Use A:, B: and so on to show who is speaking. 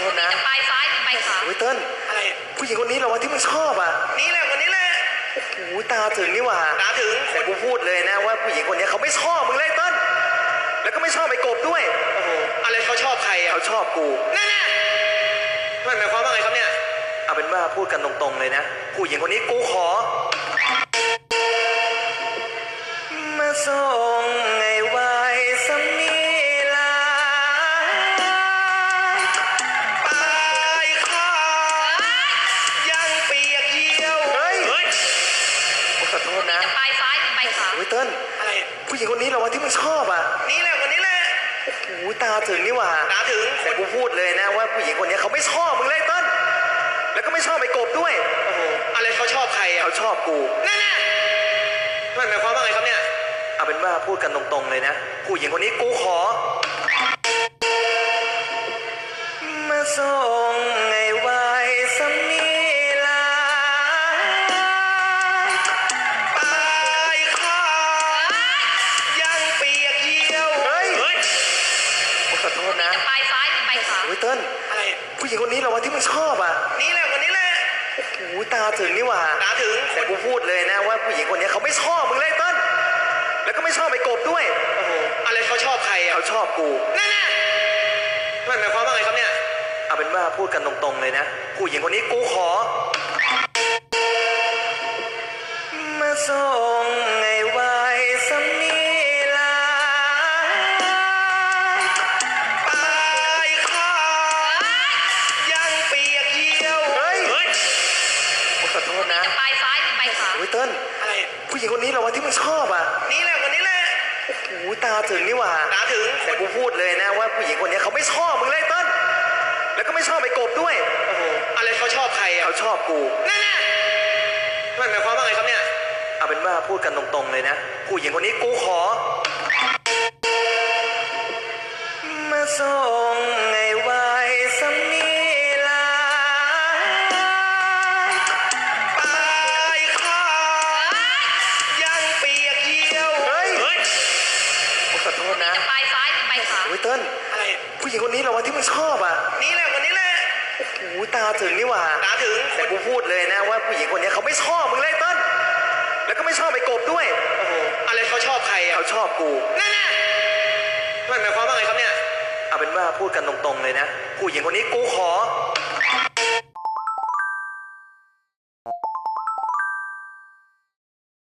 A: โทษนะ
B: จะไปซ้ายหรือไปขวา
A: โอ้ยเติ้ล
C: อะไร
A: ผู้หญิงคนนี้เหรอวะที่มึงชอบอ่ะ
C: นี่แหละคนนี้แหละ
A: โอ้โหตาถึงนี่หว่า
C: ตาถึง
A: แต่กูพูดเลยนะว่าผู้หญิงคนนี้เขาไม่ชอบมึงเลยเติ้ลแล้วก็ไม่ชอบไอ้กบด้วย
C: โอ้โหอะไรเขาชอบใครอ่ะ
A: เขาชอบกู
C: แน่มันหมายความว่าไงครับเนี่ย
A: เอาเป็นว่าพูดกันตรงๆเลยนะผู้หญิงคนนี้กูขอมาส่งไงไว้สมีลา
C: ปลายข้ายังเปียกเยี่ยว
A: เฮ้ยขอโทษนะ
B: จะไปซ้ายหรือไปขวา
A: โอ้ยเติ้ล
C: อะไร
A: ผู้หญิงคนนี้เหรอวะที่มึงชอบอ่ะ
C: นี่แหละคนนี้แหละ
A: โอ้โหตาถึงนี่หว่า
C: ตาถึง
A: แต่กูพูดเลยนะว่าผู้หญิงคนนี้เขาไม่ชอบมึงเลยเติ้ลแล้วก็ไม่ชอบไอ้กบด้วย
C: โอ้โหอะไรเขาชอบใครอ่ะ
A: เขาชอบกู
C: แน่มันหมายความว่าไงครับเนี่ย
A: เอาเป็นว่าพูดกันตรงๆเลยนะผู้หญิงคนนี้กูขอมาส่งไงไว้สมีลา
C: ปลายข้ายังเปียกเยี่ยว
A: เฮ้ยขอโทษนะ
B: จะไปซ้ายหรือไปขวา
A: โอ้ยเติ้ล
C: อะไร
A: ผู้หญิงคนนี้เหรอวะที่มึงชอบอ่ะ
C: นี่แหละคนนี้แหละ
A: โอ้โหตาถึงนี่หว่า
C: ตาถึง
A: แต่กูพูดเลยนะว่าผู้หญิงคนนี้เขาไม่ชอบมึงเลยเติ้ลแล้วก็ไม่ชอบไอ้กบด้วย
C: โอ้โหอะไรเขาชอบใครอ่ะ
A: เขาชอบกู
C: แน่มันหมายความว่าไงครับเนี่ย
A: เอาเป็นว่าพูดกันตรงๆเลยนะผู้หญิงคนนี้กูขอมาส่งไงไว้สมีลา
C: ปลายข้ายังเปียกเยี่ยว
A: เฮ้ยขอโทษนะ
B: จะไปซ้ายหรือไปขวา
A: โอ้ยเติ้ล
C: อะไร
A: ผู้หญิงคนนี้เหรอวะที่มึงชอบอ่ะ
C: นี่แหละคนนี้แหละ
A: โอ้โหตาถึงนี่หว่า
C: ตาถึง
A: แต่กูพูดเลยนะว่าผู้หญิงคนนี้เขาไม่ชอบมึงเลยเติ้ลแล้วก็ไม่ชอบไอ้กบด้วย
C: โอ้โหอะไรเขาชอบใครอ่ะ
A: เขาชอบกู
C: แน่มันหมายความว่าไงครับเนี่ย
A: เอาเป็นว่าพูดกันตรงๆเลยนะผู้หญิงคนนี้กูขอมาส่งไงไว้สมีลา
C: ปลายข้ายังเปียกเยี่ยว
A: เฮ้ยขอโทษนะ
B: จะไปซ้ายหรือไปขวา
A: โอ้ยเติ้ล
C: อะไร
A: ผู้หญิงคนนี้เหรอวะที่มึงชอบอ่ะ
C: นี่แหละคนนี้แหละ
A: โอ้โหตาถึงนี่หว่า
C: ตาถึง
A: แต่กูพูดเลยนะว่าผู้หญิงคนนี้เขาไม่ชอบมึงเลยเติ้ลแล้วก็ไม่ชอบไอ้กบด้วย
C: โอ้โหอะไรเขาชอบใครอ่ะ
A: เขาชอบกู
C: แน่มันหมายความว่าไงครับเนี่ย
A: เอาเป็นว่าพูดกันตรงๆเลยนะผู้หญิงคนนี้กูขอ